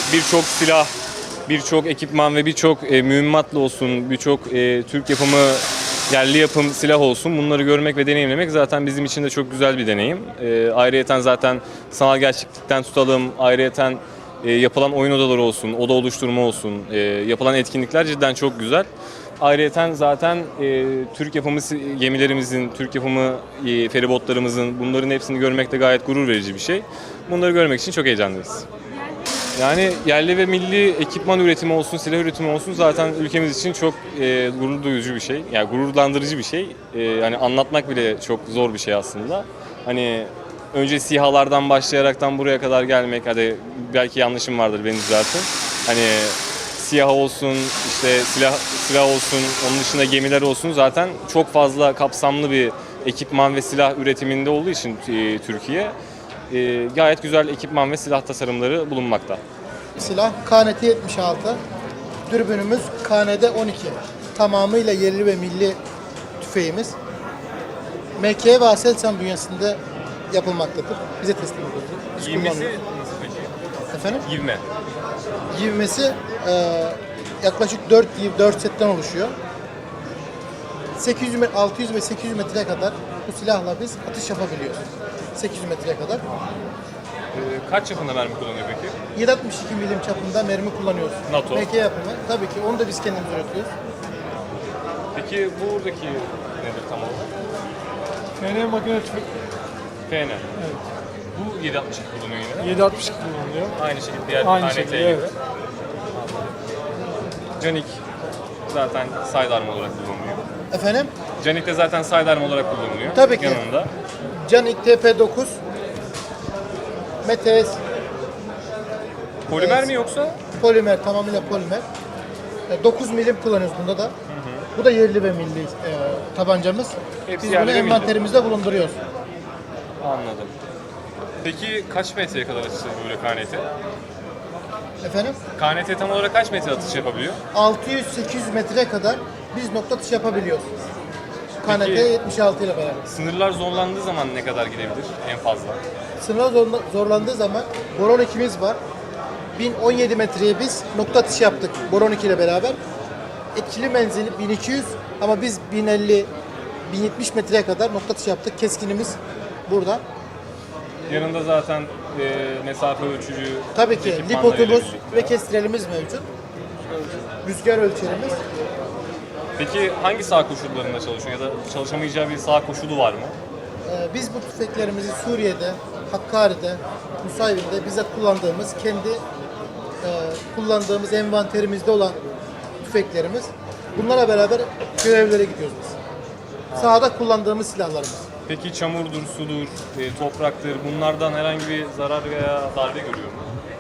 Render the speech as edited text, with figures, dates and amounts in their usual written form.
birçok silah, birçok ekipman ve birçok mühimmatla olsun, birçok Türk yapımı, yerli yapım silah olsun, bunları görmek ve deneyimlemek zaten bizim için de çok güzel bir deneyim. Ayrıyeten zaten sanal gerçeklikten tutalım, ayrıyeten yapılan oyun odaları olsun, oda oluşturma olsun, yapılan etkinlikler cidden çok güzel. Ayrıyeten zaten Türk yapımı gemilerimizin, Türk yapımı feribotlarımızın, bunların hepsini görmek de gayet gurur verici bir şey. Bunları görmek için çok heyecanlıyız. Yani yerli ve milli ekipman üretimi olsun, silah üretimi olsun zaten ülkemiz için çok gurur duyucu bir şey. Yani gururlandırıcı bir şey. Yani anlatmak bile çok zor bir şey aslında. Hani önce SİHA'lardan başlayaraktan buraya kadar gelmek, hadi belki yanlışım vardır, beni düzeltin. Hani SİHA olsun, işte silah olsun, onun dışında gemiler olsun, zaten çok fazla kapsamlı bir ekipman ve silah üretiminde olduğu için Türkiye gayet güzel ekipman ve silah tasarımları bulunmakta. Silah KNT 76, dürbünümüz KND 12. Tamamıyla yerli ve milli tüfeğimiz. MK ve Aselsan bünyesinde yapılmaktadır. Bize teslim edildi. Biz Yivmesi kullanıyoruz. nasıl peki? Efendim? Yivme. Yivmesi yaklaşık 4 setten oluşuyor. 600 ve 800 metreye kadar bu silahla biz atış yapabiliyoruz. 800 metreye kadar. Kaç yapında mermi kullanıyor peki? 7.62 milim çapında mermi kullanıyoruz. NATO. MK yapımı. Tabii ki onu da biz kendimiz üretiyoruz. Peki buradaki nedir tam olarak? FN makine tüfek FN. evet. Bu 762 kullanıyor yine. 7.62 kullanılıyor. Aynı şekilde diğer Aynı KNT şekilde gibi. evet. Canik zaten sidearm olarak kullanılıyor. Efendim? Canik de zaten sidearm olarak kullanılıyor. Tabii ki. Yanında. Canik TP9 Metes Polimer Evet. mi yoksa? polimer, tamamıyla polimer. 9 milim kullanıyoruz bunda da. Bu da yerli ve milli tabancamız. Hepsi Biz yerli bunu ve milli. envanterimizde bulunduruyoruz. Anladım. Peki kaç metreye kadar atış yapıyor böyle KNT? Efendim? KNT tam olarak kaç metre atış yapabiliyor? 600-800 metreye kadar biz nokta atış yapabiliyoruz. KNT Peki- 76 ile beraber. Sınırlar zorlandığı zaman ne kadar gidebilir en fazla? Sınırlar zorlandığı zaman Boron 2'miz var. 1017 metreye biz nokta atışı yaptık Boron 2 ile beraber. Etkili menzili 1200 ama biz 1050 1070 metreye kadar nokta atışı yaptık. Keskinimiz burada. Yanında zaten mesafe ölçücü Tabii ki ekipmanlarıyla lipotumuz birlikte. ve kestirelimiz mevcut. Rüzgar ölçerimiz. Peki hangi saha koşullarında çalışıyor ya da çalışamayacağı bir saha koşulu var mı? Biz bu tüfeklerimizi Suriye'de, Hakkari'de, Nusaybin'de bizzat kullandığımız, kendi kullandığımız envanterimizde olan tüfeklerimiz. Bunlara beraber görevlere gidiyoruz biz. Sahada kullandığımız silahlarımız. Peki çamurdur, sudur, topraktır, bunlardan herhangi bir zarar veya darbe görüyor mu?